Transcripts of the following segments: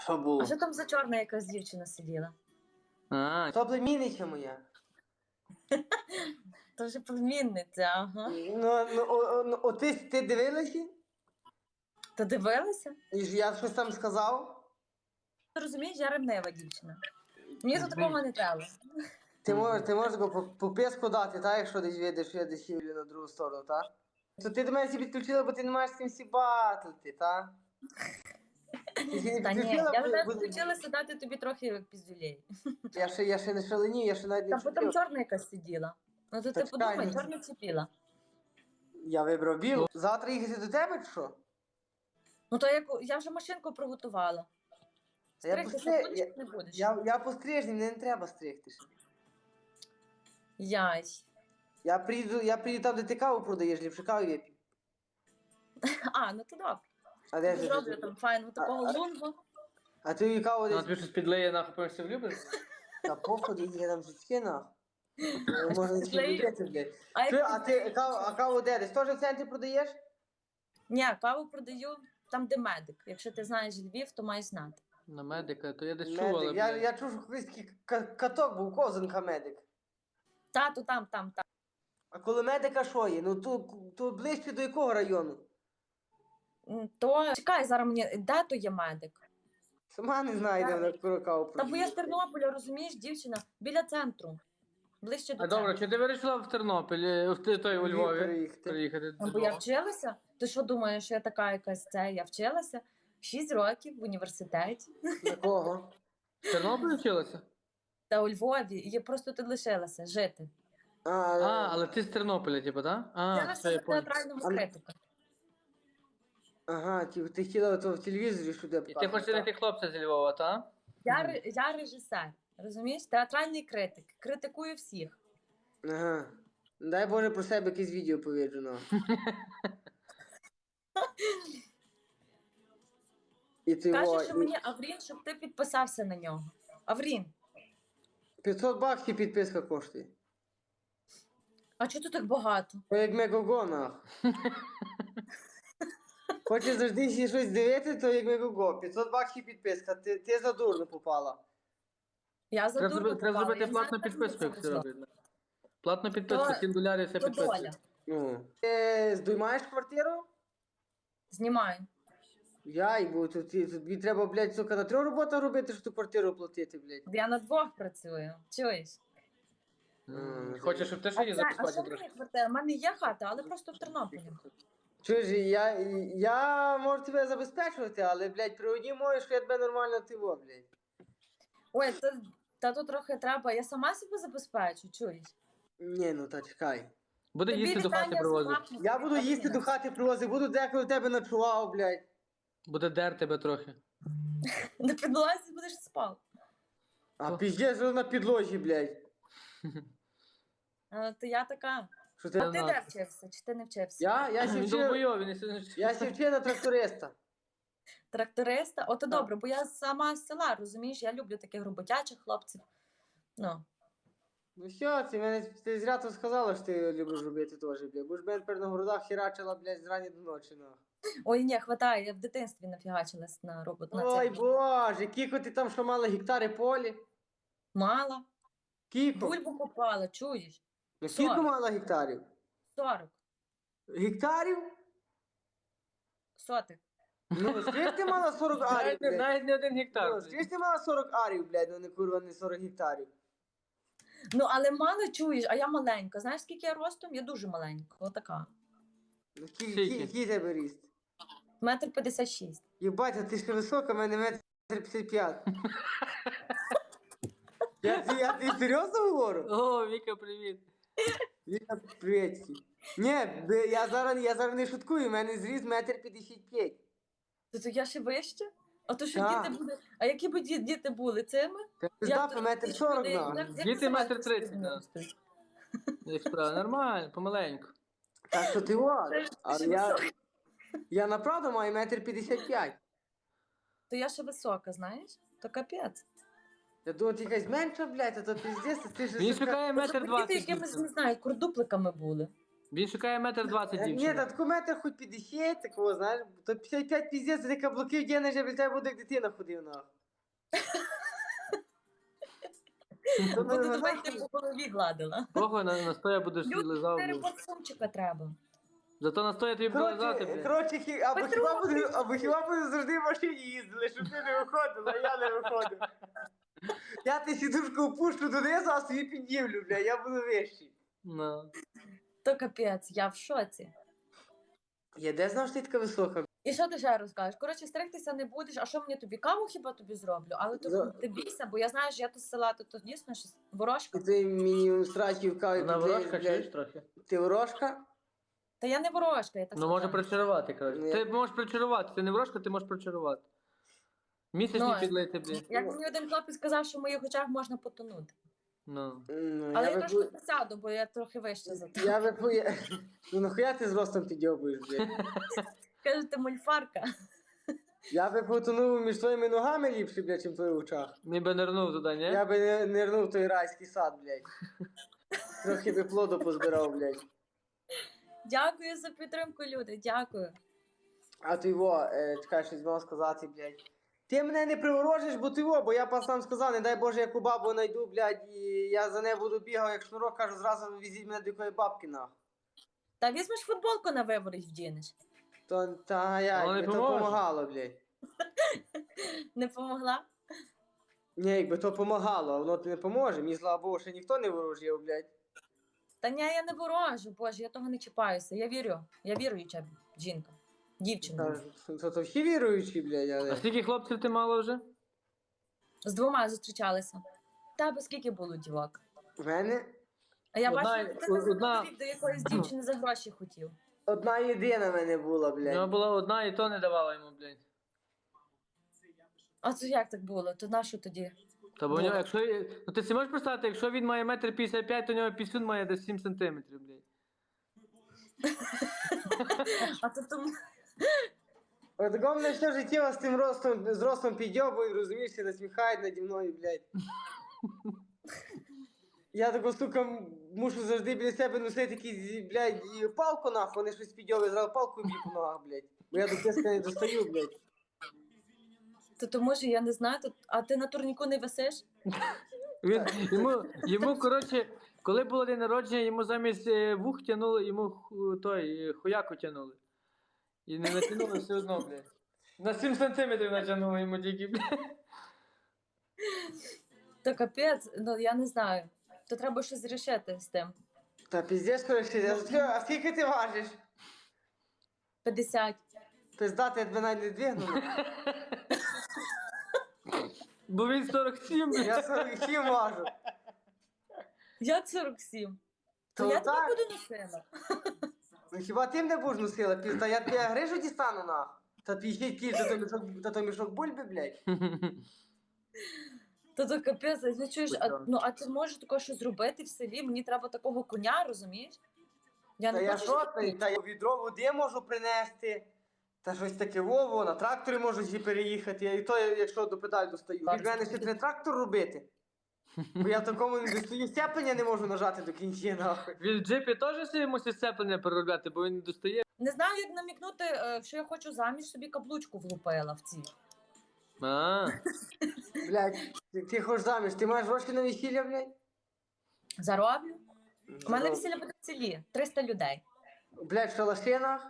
Що А було? що там за чорна якась дівчина сиділа? То племінниця моя. То вже племінниця, ага. Ну, ти дивилася? То дивилася? І ж я щось там сказав? Ти розумієш, я ревнива дівчина. Мені тут такого не треба. Ти можеш по писку дати, так, якщо десь видиш, що я десь їду на другу сторону, так? То ти до мене підключила, бо ти не маєш з ким всі батлити, так? Ти ще не Та ні, підключила? я тебе включилася дати тобі трохи піздюлей. Я ще не шаленію, я ще навіть не Та бо там чіпив. чорна якась сиділа. Ну то ти Так, подумай, чекай, чорна ціпіла. Я вибрав білу. Завтра їхати до тебе, чи що? Ну то я вже машинку приготувала. Стригтися будеш чи не будеш? Я пострижний, мені не треба стригтися. Яй. Я приїду там, де ти каву продаєш, ліпше каву вип'ю. А, ну то добре. А де ж? Зроблю там файну такого лунгу. А ти її каву Ну, десь... тобі щось підлеє, нахуй, потім все влюбиш? Та походу, я там житки, нахуй. Можна не Підлею? любити, блядь. А Ти, як а ти каву де? Десь теж в центрі продаєш? Ні, каву продаю там, де медик. Якщо ти знаєш Львів, то маєш знати. На медика, то я десь чув, але, Медик. блядь. Я чув, що колись такий каток був, козинка медик. Тату там. А коли медика що є? Ну то ближче до якого району? То чекай, зараз мені, де то є медик? Сама не знаю, де вона каву Та бо продає. я з Тернополя, розумієш, дівчина, біля центру. Ближче до А добре, центру. чи ти вирішила в Тернопіль, у Львові приїхати? Бо я вчилася. Ти що думаєш, що я така якась це? Я вчилася 6 років в університеті. Якого? В Тернополі вчилася? Та у Львові. І я просто тут лишилася жити. Але ти з Тернополя, типу, так? Я Все, я на понял. театральному критику. Ага, ти хотіла то в телевізорі, що де І ти хочеш знайти хлопця зі Львова, так? Я режисер, розумієш? Театральний критик. Критикую всіх. Ага. Дай Боже про себе якесь відео повіджу, ну. І ти Каже, що мені Аврін, щоб ти підписався на нього. Аврін, 500 баксів підписка коштує. а чого тут так багато? То як Мегого, нах. Хочеш завжди ще щось дивити, то як Мегого. 500 баксів підписка, ти за дурно попала. Я за дурно Треба попала. зробити Я не знаю, платну як мені підписку, це як це вийшло. робити. Платну підписку, То- 7 долярів все То підписує. доля. Ну. Ти здоймаєш квартиру? Знімаю. Бо тобі треба, блядь, сука, на 3 роботах робити, щоб ту квартиру платити, блядь. Я на 2 працюю. Чуєш? Хочеш, щоб ти ще її А записати що трошки? мені квартира? У мене є хата, але просто в Тернополі. Чуєш, я можу тебе забезпечувати, але, блядь, при одній мові, що я тебе нормально тиво, блядь. Ой, та тут трохи треба. Я сама себе забезпечу, чуєш? Ні, ну та чекай. Буде Тобі їсти до хати вітання з привозити. мамою. Я буду їсти до хати привозити, буду деколи в тебе ночував, блядь. Буде дер тебе трохи. На підлозі будеш спав. А піздець що на підлозі, блядь. То я така. Що ти? А ти де вчився? Чи ти не вчився? Я Він сівчив долбойов, він не я сівчив на тракториста. Тракториста? Ото добре, бо я сама з села, розумієш? Я люблю таких роботячих хлопців. Ну. Ну що, ти зря то сказала, що ти любиш робити теж, блядь. Бо ж мене тепер на городах херачила, блядь, з рані до ночі, ну. Ой, ні, хватає, я в дитинстві нафігачилась на роботу. На Ой, це. боже, кіко ти там що мала гектари полі? Мала. Кіко? Бульбу купала, чуєш? Ну кіко 40. мала гектарів? 40. Гектарів? Сотих. Ну, скільки ти мала 40 арів, блядь? Навіть не 1 гектар. Ну, скільки ти мала 40 арів, блядь, ну не курва, не 40 гектарів. Ну, але мало чуєш, а я маленька. Знаєш, скільки я ростом? Я дуже маленька. Отака. Ну, Скільки? який тебе ріст? 1,56 м. Єбать, а ти ще висока, в мене 1,55 м. Я ти серйозно говорю? О, Віка, привіт. Віка, привітки. Ні, я зараз не шуткую, в мене зріс 1,55 м. То я ще вище? А то що Так. діти були? А які б діти були цими? Ти Як здав то- 1,40 м, як- на. як Діти називається 1,30 м, спільно да. ростуть? Як справа, нормально, помаленьку. Так що ти ладно. Але ще я висока. направду маю 1,55 м. То я ще висока, знаєш? То капець. Я думаю, ти якась менша, блядь, а то піздець, ти ж... Він шукає Тобто 1,20 м. діти якимись, не знаю, курдупликами були. Він шукає 1,20 м Ні, дівчини. та таку метр хоч 50, такого, знаєш, то 55 піздець, ти каблуки вдягнеш, я біля тебе буду як дитина ходив, нахуй. То Буду мене тебе нахуй. йти по голові гладила. Похуй, на стоя будеш Люди, лизав. 4 блін. парфумчика треба. Зато на стоя тобі буде лизати, блядь. Коротше, Петро, або хіба буде завжди в машині їздили, щоб ти не виходила, я не виходив. Я ти сідушку опущу донизу, а собі піднімлю, бля, я буду вищий. Ну. То капець, я в шоці. Я де знав, що ти така висока? І що ти ще розкажеш? Коротше, стригтися не будеш, а що мені тобі? Каву хіба тобі зроблю? Але то ти бійся, бо я знаю, що я тут з села, то дійсно щось ворожка. І ти мені страчив каві Вона підлиєш, ворожка, блядь. чуєш трохи? Ти ворожка? Та я не ворожка, я так Ну, може сказала. причарувати, коротше. Ні. Ти можеш причарувати, ти не ворожка, ти можеш причарувати. Місячні Ну, підлити, блін. Як мені один хлопець сказав, що в моїх очах можна потонути. Ну. Ну, Але я би трошки пу- присяду, бо я трохи вище за те. Я би Ну нахуя ти з ростом підйобуєш, блядь? Каже, ти мульфарка. Я би потонув між твоїми ногами ліпше, блядь, чим в твоїх очах. Ніби нирнув туди, ні? Я би не нирнув в той райський сад, блядь. Трохи би плоду позбирав, блядь. Дякую за підтримку, люди, дякую. А ти чекай, щось мав сказати, блядь. Ти мене не приворожиш, бо я пацан сказав, не дай Боже, яку бабу знайду, блядь, і я за нею буду бігав, як шнурок, кажу, зразу візіть мене до якої бабки, нахуй. Та візьмеш футболку на виворіть вдінеш. Та я, Воно не якби то поможе. помагало, блядь. Не помогла? Ні, якби то помагало, а воно тобі не поможе. Мені, слава Богу, ще ніхто не ворожив, блядь. Та ні, я не ворожу, боже, я того не чіпаюся. Я віруюча жінка, дівчина. То всі віруючі, блядь, А але... скільки хлопців ти мала вже? З 2 зустрічалися. Тебе скільки було дівок? В мене А я Одна- бачу, ти не одна- до якоїсь дівчини за гроші хотів. одна єдина в мене була, У нього блядь. була одна і то не давала йому, блядь. А це як так було? То на що тоді? Та бо у нього, якщо... Ну ти си можеш представити, якщо він має 1,55 м, то у нього пісюн має десь 7 сантиметрів, блядь. А то тому... От такого мене все життя з ростом підйобують, розумієш, і насміхають наді мною, блядь. Я таку, сука, мушу завжди біля себе носити якісь, блядь, і палку, нахуй, вони щось підйобують, зразу палку б'ю по ногах, блядь. Бо я до тиска не достаю, блядь. То тому що я не знаю, а ти на турніку не висиш? Він, йому, коротше, коли було день народження, йому замість вух тянули, йому хуяку тянули. І не натягнули все одно, блядь. На 7 сантиметрів натягнули йому тільки, блядь. То капець, ну я не знаю. То треба щось рішити з тим. Та піздець, коротше, а скільки ти важиш? 50. Пиздати, я тебе навіть не двигну. Бо він 47, блядь. Я 47 важу. Я 47. То То я тебе так. буду носила. Ну хіба ти мене будеш носила, пізда, я тебе грижу дістану, нахуй. Та 50 кіль, та то мішок бульби, блядь. То капець, ну чуєш, а ти можеш такого щось зробити в селі? Мені треба такого коня, розумієш? Я Та не я хочу. що, та я відро води можу принести, та щось таке вово, на тракторі можу зі переїхати, і то, якщо до педаль достаю. Так, Від мене ще треба трактор робити. Бо я в такому не достаю, степеня не можу нажати до кінця, нахуй. Він в джипі теж собі мусить сцеплення переробляти, бо він не достає. Не знаю, як намікнути, що я хочу заміж, собі каблучку влупила в ці. А, Блядь, ти хочеш заміж, ти маєш гроші на весілля, блядь? Зароблю. У мене весілля буде в селі. 300 людей. Блядь, в шалашинах?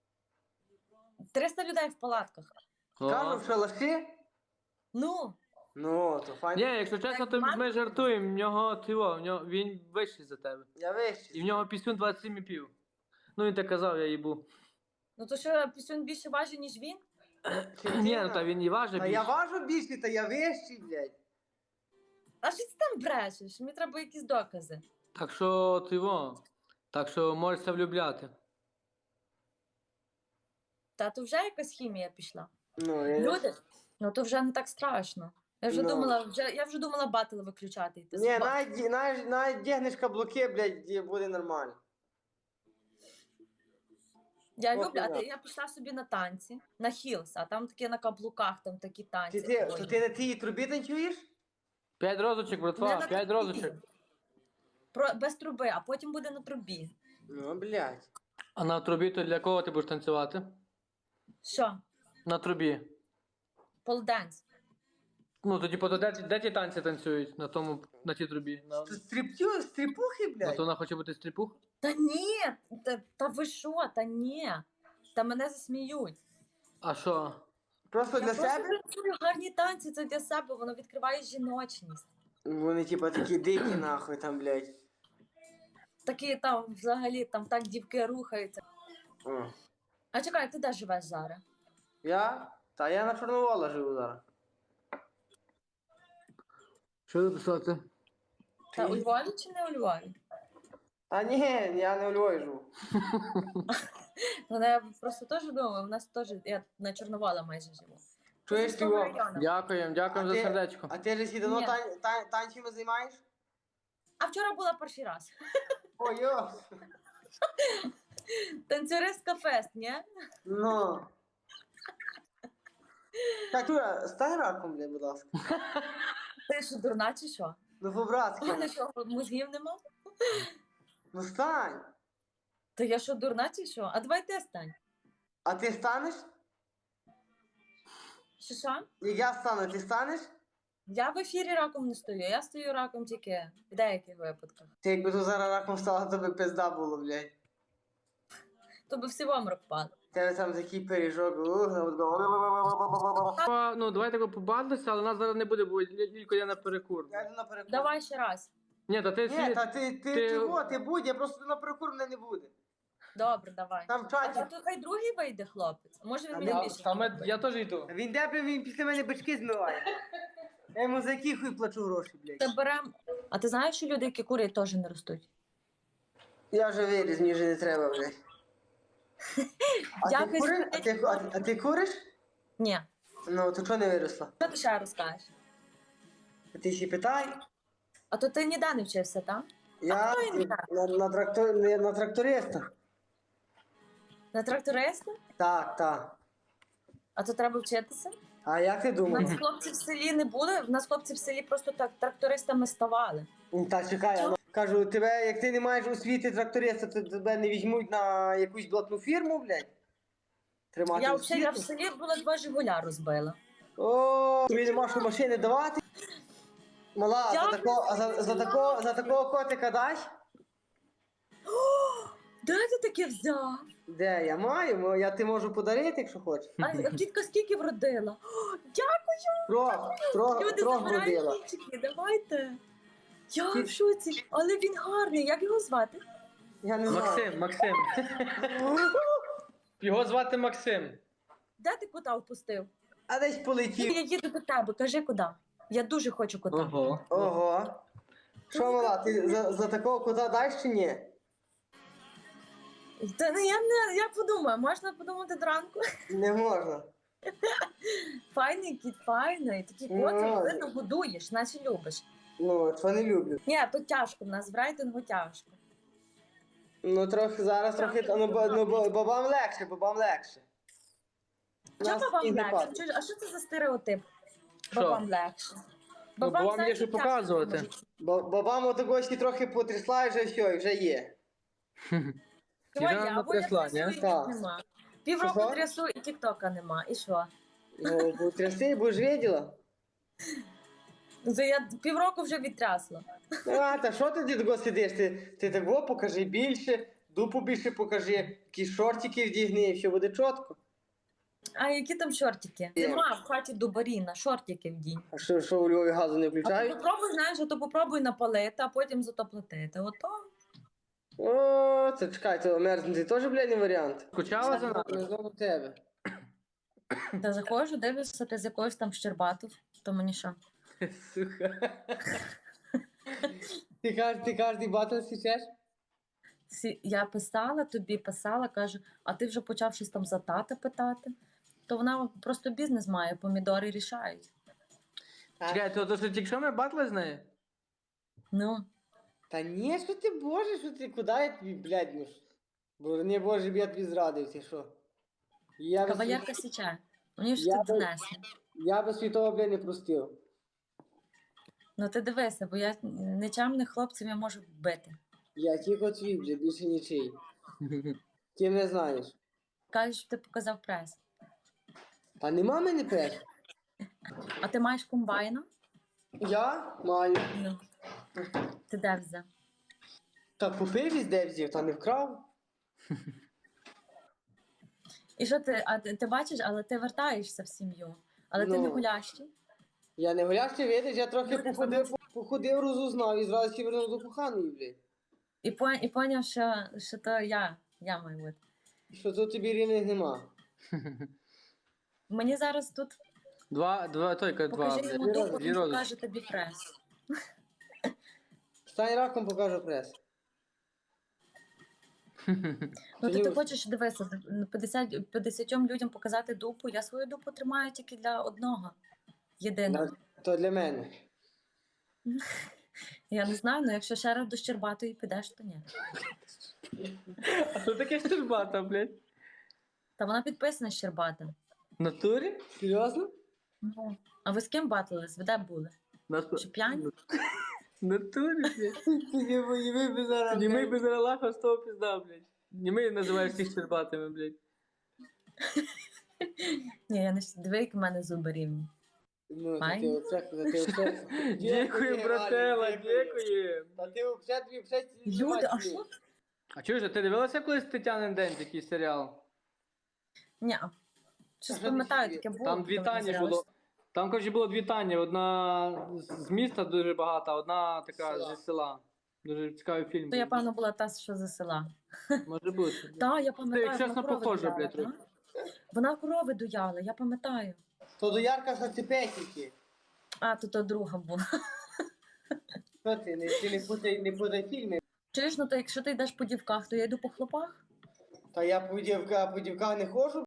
300 людей в палатках. Кажу, о. в шалаші? Ну, Ну, то Ні, файно. якщо чесно, то ми жартуємо, в нього, він вищий за тебе. Я вищий. І в нього пісюн 27,5. Ну він так казав, я їбу. ну то що, пісюн більше важить, ніж він? Ні, ну та він і важить Та я більше. важу більше, та я вищий, блядь. А що ти там брешеш? Мені треба якісь докази. Так що ти во. Так що можешся влюбляти. Та то вже якась хімія пішла. Ну, я... Люди, ну то вже не так страшно. Я вже Ну. думала батл виключати. Йти Ні, з ба- навіть дягнеш каблуки, блядь, і буде нормально. Я Ох, люблю, да. я пішла собі на танці, на хілс, а там такі на каблуках, там такі танці. То ти на тій трубі танцюєш? 5 розочок, Не братва, на 5 трубі. розочок. Без труби, а потім буде на трубі. Ну, блядь. А на трубі то для кого ти будеш танцювати? Що? На трубі. Полденс. Ну, то типу, то де ті танці танцюють на тій трубі? Стріпухи, Ну, блядь. то вона хоче бути стріпух? Та ні, та ви що, та ні. Та мене засміють. А що? Просто Я для просто себе? танцюю гарні танці, це для себе, воно відкриває жіночність. Вони, типа, такі дикі, нахуй, там, блядь. Такі там взагалі там так дівки рухаються. О. А чекай, ти де живеш зараз? Я? Та я на Чорновола живу зараз. Що написати? Та у Львові чи не у Львові? Та ні, я не у Львові живу. Ну, я просто теж думаю, у нас теж, я на Чорновола майже живу. Чуєш Це ти з того його? району. Дякуємо А за ти- сердечко. А ти ж всі давно Ні. танцями займаєш? А вчора була перший раз. Ой, йо. Танцюристка фест, ні? Ну. Так, Юра, стань раком, блядь, будь ласка. Ти що, дурна чи що? Ну, У мене по-братськи. що, мозгів нема? Ну, стань. Та я що, дурна чи що? А давай ти стань. А ти станеш? Що? Як я стану, ти станеш? Я в ефірі раком не стою, я стою раком тільки в деяких випадках. Ти якби тут зараз раком стала, то би пизда було, блядь. То би всі в обморок впали. Тебе там такий пиріжок, Ну, давайте побадилися, але нас зараз не буде, бо Лілько я на перекур. Я йду на перекур. Давай ще раз. Ні, та ти Ні, та ти ти- чого, ти будь, я просто на перекур мене не буде. Добре, давай. Там в А чаті. то хай другий вийде, хлопець. Може він Та мені я- більше. Я теж йду. Він де він після мене бички змиває. Я йому за які хуй плачу гроші, блядь. Та берем. А ти знаєш, що люди, які курять, теж не ростуть? Я вже виріс, мені вже не треба, блядь. А ти Дякую, куриш? що А ти, а ти куриш? Ні. Ну, то чого не виросла? Що ти ще розкажеш? А ти ще питай. А то ти ніде не вчився, так? Я хто він так? на тракториста. На тракториста? Так, так. А то треба вчитися? А як ти У думаєш? нас хлопці в селі не були, в нас хлопці в селі просто так трактористами ставали. Та чекай, а ну, кажу, тебе, як ти не маєш освіти тракториста, то тебе не візьмуть на якусь блатну фірму, блядь? Тримати Я взагалі я в освіту? селі була 2 Жигуля розбила. О, тобі нема що машини давати? Мала, а Дякую, за такого котика дасть? Де ти таке взяв? Де я маю? Я ти можу подарити, якщо хочеш. А тітка скільки вродила? О, дякую, люди Трох забирають родила. кінчики, давайте. Я в шоці, але він гарний, як його звати? Я не знаю. Максим. Його звати Максим. Де ти кота впустив? А десь полетів. Я їду до тебе, кажи куди. Я дуже хочу кота. Ого. Ого. Що, мала, ти за такого кота дасть чи ні? Та ну, я подумаю, можна подумати до ранку. Не можна. Файний кіт, файний. Такі Ну, коти, видно, годуєш, наче любиш. Ну, це не люблю. Ні, тут тяжко, в нас в рейтингу тяжко. Ну, трохи зараз трохи. Ну, бабам легше, бабам легше. Чого Нас бабам і не легше? падає. А що це за стереотип? Що? Бабам легше. Ну, бабам є знаєш, що тяжко показувати. в житті. Бабам отогось трохи потрясла і вже все, і вже є. Твоя, Тіжана бо я трясла, трясу, ні? і Так. нема. Півроку Що-що? трясу, і тіктока нема. І що? Ну, потряси, будеш виділа. Ну, це я півроку вже відтрясла. А, та що ти того сидиш? Ти того покажи більше, дупу більше покажи, якісь шортики вдягни, і все буде чітко. А які там шортики? Є. Нема в хаті дубаріна, шортики вдінь. А що у Львові газу не А то включають? попробуй, знаєш, а то попробуй напалити, а потім зато платити. Ото. О, це чекай, то мерзнути теж, блядь, не варіант. Скучала за нами? Не знову тебе. Та заходжу, дивлюся, ти з якоюсь там Щербатов, то мені що? Сука. Ти кожний батл січеш? Я писала, тобі писала, кажу, а ти вже почав щось там за тата питати. То вона просто бізнес має, помідори рішають. Чекай, то що тільки що ми батли з нею? Ну, Та ні, що ти, боже, що ти, куди я тобі, блядь, ну ж? Бо не боже, б я тобі зрадив, ти що? Я би кавалерка січе. Мені ж Я тут би- донесли. Я би світого, блядь, не простив. Ну ти дивися, бо я нечемних хлопців я можу вбити. Я тільки твій, блядь, більше нічий. Ти мене знаєш. Кажеш, що ти показав прес. Та нема мене прес. А ти маєш комбайна? Я маю. Ну. Ти де взяв? Та купив із де взяв, та не вкрав. І що ти, ти бачиш, але ти вертаєшся в сім'ю. Але ти не Ну. гулящий. Я не гулящий, видиш, я трохи походив, розузнав і зразу ще вернув до коханої, блядь. І поняв, що то я маю бути. Що тут тобі рівних нема. Мені зараз тут Два. покажи йому Дві дупу, рози. він рози. покаже тобі прес. Стань раком, покажу прес. Ну Тоді ти ось. хочеш дивися, 50 людям показати дупу. Я свою дупу тримаю тільки для одного. Єдиного. То для мене. Я не знаю, але якщо ще раз до Щербатої підеш, то ні. А що таке Щербата, блядь? Та вона підписана Щербата. В натурі? Серйозно? Ну. А ви з ким батились? Ви де були? Що п'яні? В натурі, блядь. Тоді воєвий би зараз. Німий без релаха з того пізда, блядь. Німий називаєш всіх Щербатами, блядь. Ні, я не диви, як в мене зуби рівні. Ну, Файн. ти оце. Дякую, братела, дякую. Та ти взагалі тобі все Люди, а що? А чуєш, а ти дивилася колись Тетянин день, такий серіал? Ні. Щось А що пам'ятаю, ти таке було. Там дві коли Тані називалось. було. Там, коротше, було дві Тані. Одна з міста дуже багата, одна така Села. зі села. Дуже цікавий фільм. То я, був. певно, була та, що за села. Може бути. Так, я пам'ятаю, як чесно, вона корови похожа, дояла, блядь, та? трохи. Вона корови дояла, я пам'ятаю. То до Ярка Сацепехіки. А, то друга була. Що ти не путай фільми. Чуєш, ну то якщо ти йдеш по дівках, то я йду по хлопах. Та я по дівках не ходжу.